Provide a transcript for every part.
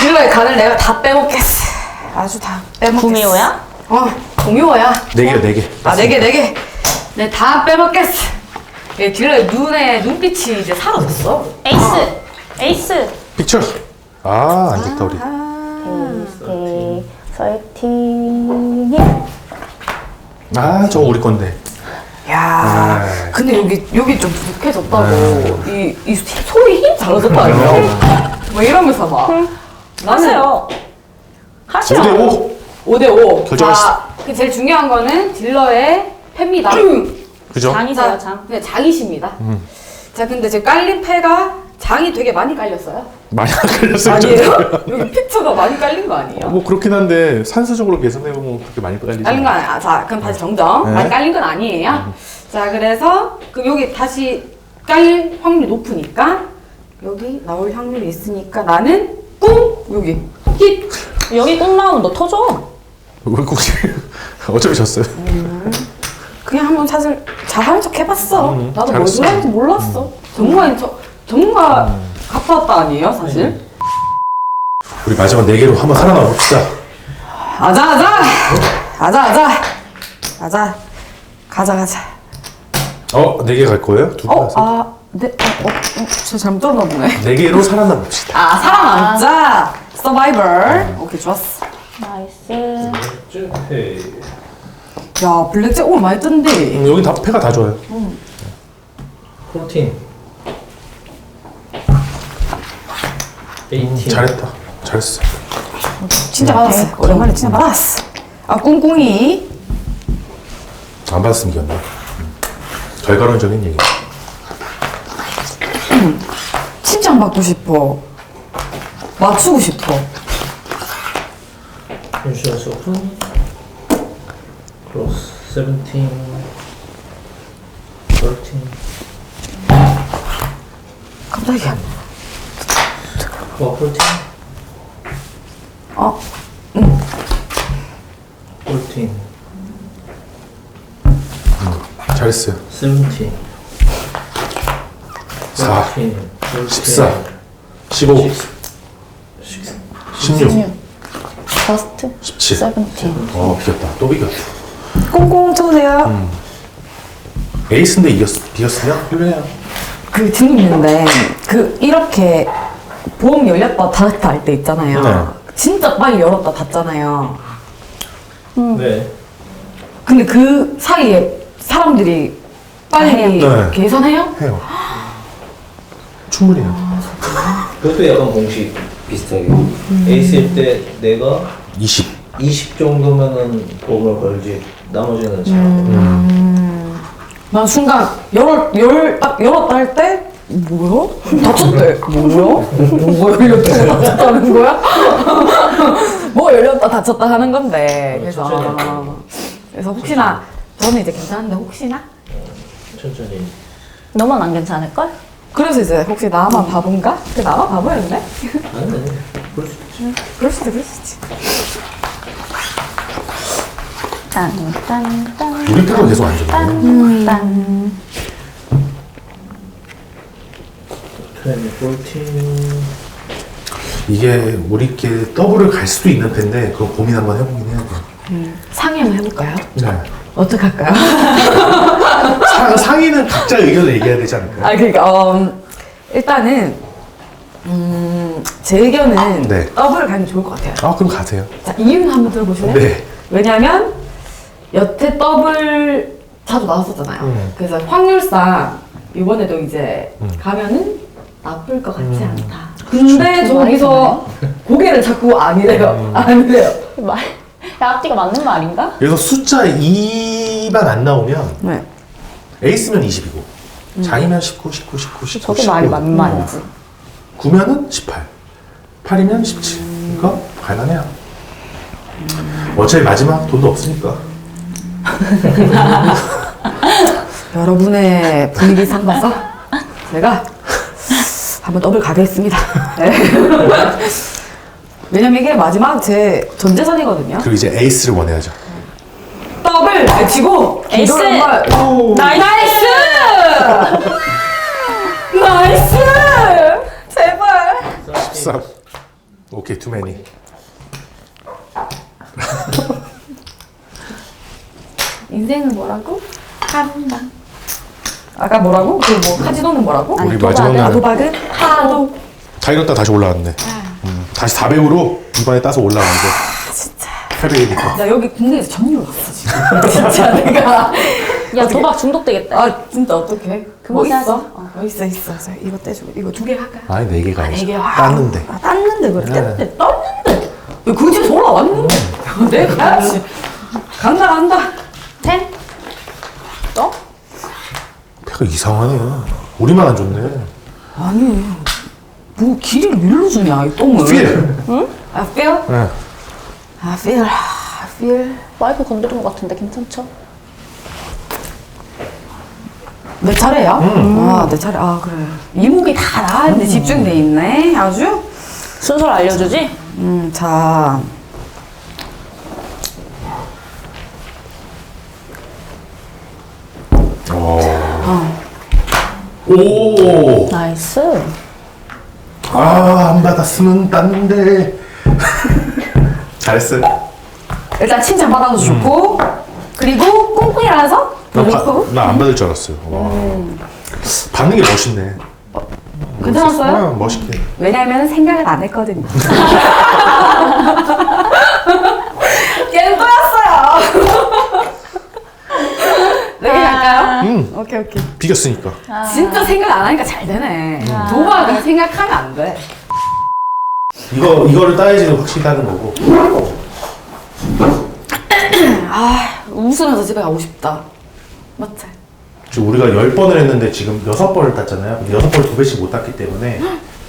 딜러의 간을 내가 다 빼먹겠어. 아주 다 빼먹겠어. 구미호야? 공유호야. 4개요, 4개. 아, 4개, 4개. 네, 다 빼먹겠어. 예, 딜러의 눈빛이 이제 사라졌어. 에이스! 픽처. 아, 안 됐다, 우리. 에이스, 13이. 아, 저거 우리 건데. 야, 아. 근데 여기 좀 부족해졌다고. 이 소리 힘 달라졌다, 아니야? 뭐 이러면서 막. 하세요. 하시오. 5대5. 5대5. 결정하시죠. 그 제일 중요한 거는 딜러의 패입니다. 그죠? 장이세요, 장. 네, 장이십니다. 자, 근데 지금 깔린 패가 장이 되게 많이 깔렸어요. 많이 안 걸렸어요. 아니에요? 여기 픽처가 많이 깔린 거 아니에요? 뭐 그렇긴 한데 산수적으로 계산해보면 그렇게 많이 깔리지 깔린 거 아니야. 자, 그럼 다시 정정. 네. 많이 깔린 건 아니에요. 자, 그래서 그럼 여기 다시 깔릴 확률이 높으니까 여기 나올 확률이 있으니까 나는 꿍 여기 힛. 여기 꼭 나오면 너 터져. 왜 굳이 어차피 졌어요. 그냥 한번 사실 잘하는 척 해봤어. 나도 뭘 잘했어. 들어야지 몰랐어. 전문가 갚았다 아니에요, 사실? 우리 마지막 4개로 한번 살아나 봅시다. 아자. 가자. 4개 갈 거예요? 2개 가세요? 네. 저 잘못 들었나 보네. 4개로 살아나 봅시다. 아, 살아남자. 서바이벌. 오케이, 좋았어. 나이스. 야, 블랙잭 오늘 많이 뜬데. 여기 다 패가 다 좋아요. 14 18 잘했다. 잘했어. 진짜 받았어. 오랜만에 진짜 받았어. 아, 꿍꿍이. 안 받았으면 이겼네. 결과론적인 얘기. 칭찬받고 싶어. 맞추고 싶어. 인슈런스 오픈 크로스 17 13 깜짝이야. 14 어, 14 잘했어요. 17 4, 14 14, 15, 16, 퍼스트. 17. 17. 비겼다. 또 비겼다. 꽁꽁 쳐주세요. 에이스인데 비겼으면 훌륭해요. 그 재밌는데, 이렇게 보험 열렸다 닫았다 할 때 있잖아요. 네. 진짜 빨리 열었다 닫잖아요. 네 근데 그 사이에 사람들이 빨리 네. 계산해요? 해요. 충분히 해요. 그것도 약간 공식 비슷하게 에이스일 때 내가 20. 20 정도면은 보험을 걸지 나머지는 잘 난 순간 딱 열었다 할 때 뭐야? 닫혔대. 뭐가 열렸다 닫혔다는 거야? 뭐 열렸다 닫혔다 하는 건데. 그래서 혹시나 저는 이제 괜찮은데 혹시나? 천천히 너만 안 괜찮을걸? 그래서 이제 혹시 나만 바본가? 나만 바보였네? 아니 그럴 수 있지 그럴 수도 있지. 딴. 우리 패가 계속 안 좋네. 딴. 14 이게 우리끼리 더블을 갈 수도 있는 패인데 그거 고민 한번 해보긴 해야 돼. 상의 한번 해볼까요? 네. 어떡할까요? 상의는 각자 의견을 얘기해야 되지 않을까요? 그러니까 일단은 제 의견은 네. 더블을 가는 게 좋을 것 같아요. 그럼 가세요. 자, 이유는 한번 들어보실래요? 네. 왜냐면 여태 더블 자주 나왔었잖아요. 그래서 확률상 이번에도 이제 가면은 나쁠 것 같지 않다. 근데 저기서 고개를 자꾸 아니래요. 아니래요. 야, 앞뒤가 맞는 말인가? 그래서 숫자 2만 안 나오면 네. 에이스면 20이고 장이면 19, 19, 19, 19, 저게 19. 말이 맞는 말이지. 9면은 18, 8이면 17. 그러니까 갈만해요. 어차피 마지막 돈도 없으니까. 여러분의 분위기 삼아서 제가 한번 더블 가겠습니다. 네. 왜냐면 이게 마지막 제 전 재산이거든요. 그리고 이제 에이스를 원해야죠. 더블 외치고 에이스! 기도를 한번 나이스! 나이스! 제발. 13. 오케이, too many. 인생은 뭐라고? 한방. 아까 뭐라고? 그 뭐 카지노는 뭐라고? 우리 도박은? 마지막에 도박은 하도. 다 잃었다 다시 올라왔네. 다시 400으로 이번에 따서 올라왔는데. 진짜. 800이니까. 나 여기 국내에서 전율 왔어 지금. 진짜 내가. 야 도박 중독되겠다. 아 진짜 어떡해? 뭐 그만 있어? 하자. 있어. 이거 떼주고 이거 2개 할까? 아니 4개가 아니지. 4개. 땄는데. 땄는데 그래. 네. 땄는데. 그 집에서 올라왔는데. 내가 가야지. 간다. 10? 또? 배가 이상하네. 우리만 안 좋네. 아니. 뭐 길이를 밀로 주냐 이 똥을. 필! 응? 아 feel? 네. 아 feel. feel. 마이크 건드린 것 같은데 괜찮죠? 내 차례야? 아, 내 차례. 아, 그래. 이목이 다 나왔는데 집중돼 있네. 아주. 순서를 알려주지? 자. 오! 나이스. 아, 안 받았으면 땄는데. 잘했어. 일단 칭찬 받아도 좋고. 그리고 꽁꽁이라서 그리고 나안 받을 줄 알았어요. 와. 받는 게 멋있네. 괜찮았어요? 멋있게. 왜냐면 생각을 안 했거든요. 걔는 또였어요. 네, 할까요? 오케이. 비겼으니까. 진짜 생각 안 하니까 잘 되네. 도박은 생각하면 안 돼. 이거를 따야지는 확실히 따는 거고. 아, 웃으면서 집에 가고 싶다. 맞지? 지금 우리가 10번을 했는데 지금 6번을 땄잖아요. 근데 6번을 2배씩 못 땄기 때문에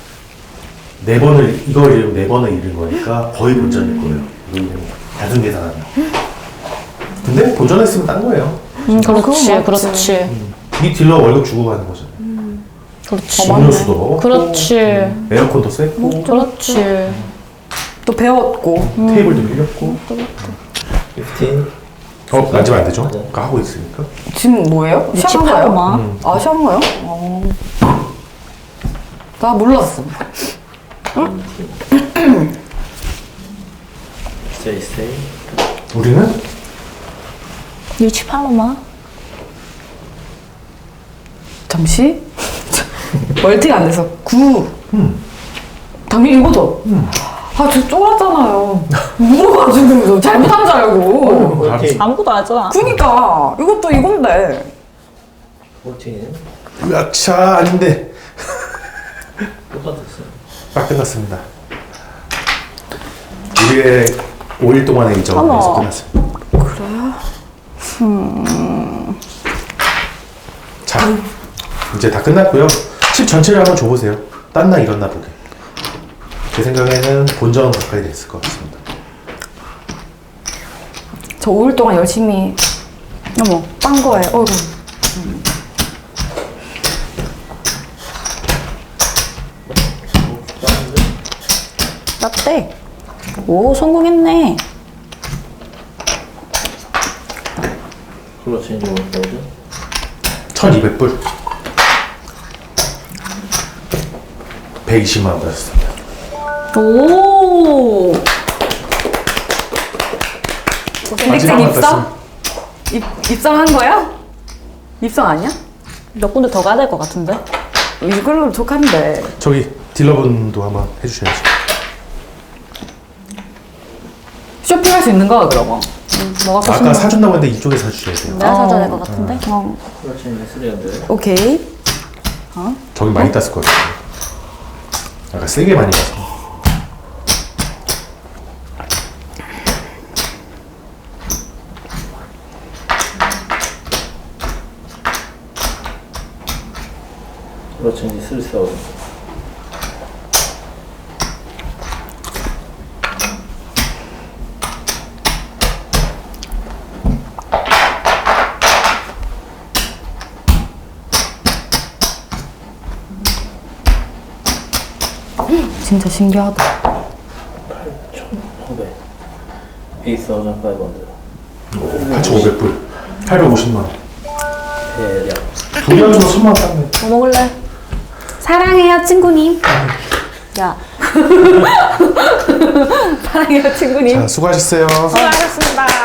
4번을 이걸 잃으면 4번을 잃은 거니까 거의 본전일 거예요. 이거 단순 계산하면. 근데 본전했으면 딴 거예요. 그렇지. 이 딜러 월급 주고 가는 거잖아요. 그렇지. 음료수도 먹었고 그렇지. 에어컨도 쐈고 그렇지. 또 배웠고. 테이블도 밀렸고 15. 만지면 안 되죠? 맞아. 그거 하고 있으니까. 지금 뭐예요? 시작한 거예요? 68만. 아, 시작한 거예요? 나 몰랐어. 스테이. 우리는 68로만. 잠시. 멀티가 안 돼서 9. 당연히 이거죠? 아, 저 쫄았잖아요. 물어가지고 잘못한 줄 알고. 오케이. 아무것도 안 했잖아. 그니까 이것도 이건데. 14는 으악차 아닌데 똑같았어요. 딱 끝났습니다. 우리의 5일 동안의 이적은 어머. 여기서 끝났습니다. 자, 이제 다 끝났고요. 칩 전체를 한번 줘보세요. 땄나 잃었나 보게. 제 생각에는 본전 가까이 됐을 것 같습니다. 저 5일 동안 열심히 딴 거예요. 어이구. 맞대. 오 성공했네. 클러치 인지 뭐죠? 1200불 120만 원 받았습니다. 오. 딜렉션 입성? 입성한 거야? 입성 아니야? 몇 군데 더 가야 될 것 같은데? 이걸로 족한데. 저기 딜러분도 한번 해주셔야죠. 쇼핑할 수 있는 거야 그러면? 뭐가 더 아까 신나? 사준다고 했는데 이쪽에 사주셔야 돼요. 내가 사줘야 될 것 같은데? 클러치 인지 300. 오케이. 저기 많이 땄을 것 같아요. 아까 세게 많이 땄어. 클러치 인지 3,000. 진짜 신기하다. 8,500. 8,500. 8,500불 850만 원. 대략. 두 개 합쳐서 1000만 원 땄네. 뭐 먹을래? 사랑해요 친구님. 야 사랑해요 친구님. 자, 수고하셨어요. 수고하셨습니다.